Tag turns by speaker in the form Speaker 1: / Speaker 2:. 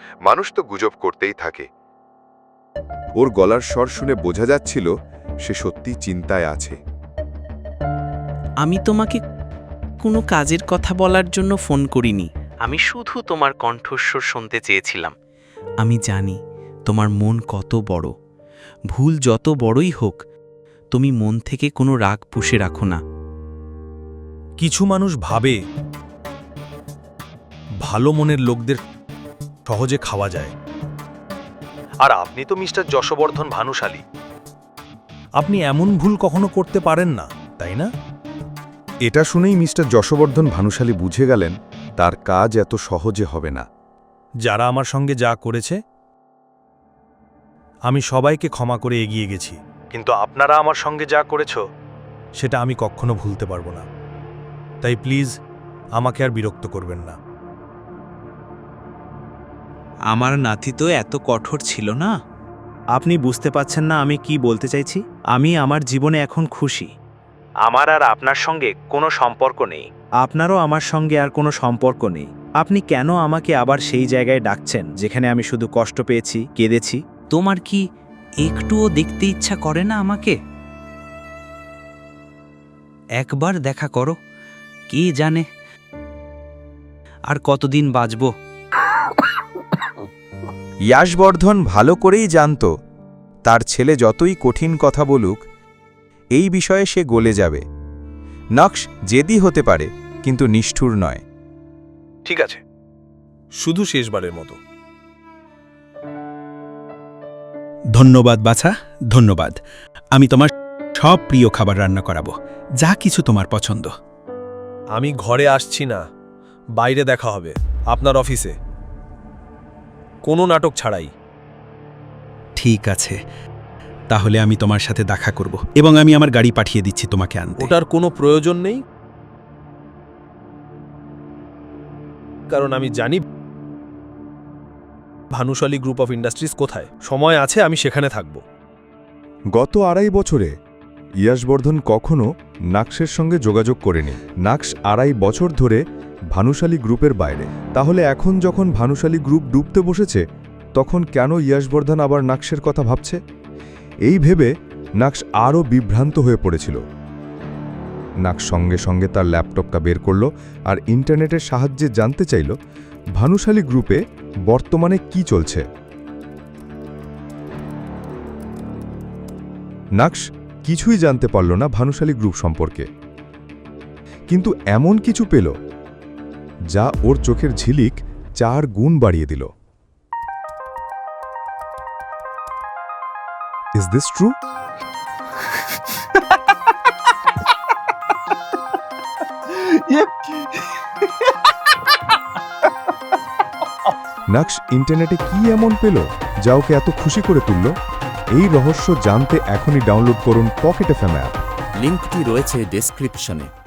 Speaker 1: মানুষ তো গুজব করতেই থাকে।
Speaker 2: ওর গলার স্বর শুনে বোঝা যাচ্ছিল সে সত্যি চিন্তায় আছে।
Speaker 3: আমি তোমাকে কোনো কাজের কথা বলার জন্য ফোন করিনি। আমি শুধু তোমার কণ্ঠস্বর শুনতে চেয়েছিলাম। আমি জানি তোমার মন কত বড়। ভুল যত বড়ই হোক, তুমি মন থেকে কোনো রাগ পুষে রাখো না।
Speaker 4: কিছু মানুষ ভাবে ভালো মনের লোকদের সহজে খাওয়া যায়। আর আপনি তো মিস্টার যশবর্ধন ভানুশালী। আপনি এমন ভুল কখনো করতে পারেন না, তাই না?
Speaker 2: এটা শুনেই মিস্টার যশবর্ধন ভানুশালী বুঝে গেলেন তার কাজ এত সহজে হবে না।
Speaker 4: যারা আমার সঙ্গে যা করেছে আমি সবাইকে ক্ষমা করে এগিয়ে গেছি, কিন্তু আপনারা আমার সঙ্গে যা করেছ সেটা আমি কখনো ভুলতে পারবো না। তাই প্লিজ আমাকে আর বিরক্ত করবেন না।
Speaker 3: আমার নাতি তো এত কঠোর ছিল না।
Speaker 5: আপনি বুঝতে পাচ্ছেন না আমি কি বলতে চাইছি? আমি আমার জীবনে এখন খুশি। আমার আর আপনার সঙ্গে কোনো সম্পর্ক নেই। আপনারও আমার সঙ্গে আর কোনো সম্পর্ক নেই। আপনি কেন আমাকে আবার সেই জায়গায় ডাকছেন যেখানে আমি শুধু কষ্ট পেয়েছি, কেঁদেছি?
Speaker 3: তোমার কি একটুও দেখতে ইচ্ছা করে না আমাকে? একবার দেখা করো, কে জানে আর কতদিন বাঁচব।
Speaker 6: ইয়াশবর্ধন ভালো করেই জানত তার ছেলে যতই কঠিন কথা বলুক, এই বিষয়ে সে গলে যাবে। নকশ জেদি হতে পারে, কিন্তু নিষ্ঠুর নয়।
Speaker 4: ঠিক আছে, শুধু শেষবারের মতো।
Speaker 7: ধন্যবাদ বাছা, ধন্যবাদ। আমি তোমার সব প্রিয় খাবার রান্না করাবো, যা কিছু তোমার পছন্দ।
Speaker 4: আমি ঘরে আসছি না, বাইরে দেখা হবে আপনার অফিসে, কোনো নাটক ছাড়াই।
Speaker 7: ঠিক আছে, তাহলে আমি তোমার সাথে দেখা করব এবং আমি আমার গাড়ি পাঠিয়ে দিচ্ছি তোমাকে আনতে।
Speaker 4: ওটার কোনো প্রয়োজন নেই, কারণ আমি জানি ভানুশালী গ্রুপ অফ ইন্ডাস্ট্রিজ কোথায়। সময় আছে, আমি সেখানে থাকব।
Speaker 2: গত 2.5 বছরে ইয়াশবর্ধন কখনো নাকশের সঙ্গে যোগাযোগ করেনি। নাকশ 2.5 বছর ধরে ভানুশালী গ্রুপের বাইরে। তাহলে এখন যখন ভানুশালী গ্রুপ ডুবতে বসেছে, তখন কেন ইয়াশবর্ধন আবার নাকশের কথা ভাবছে? এই ভেবে নাকশ আরও বিভ্রান্ত হয়ে পড়েছিল। নাকশ সঙ্গে সঙ্গে তার ল্যাপটপটা বের করল আর ইন্টারনেটের সাহায্যে জানতে চাইল ভানুশালী গ্রুপে বর্তমানে কি চলছে। নাকশ কিছুই জানতে পারল না ভানুশালী গ্রুপ সম্পর্কে, কিন্তু এমন কিছু পেল যা ওর চোখের ঝিলিক 4 গুণ বাড়িয়ে দিল। Is this true? নাকশ ইন্টারনেটে কি এমন পেল যা ওকে এত খুশি করে তুলল? এই রহস্য জানতে এখনই ডাউনলোড করুন পকেট এফএম অ্যাপ।
Speaker 8: লিঙ্কটি রয়েছে ডেসক্রিপশনে।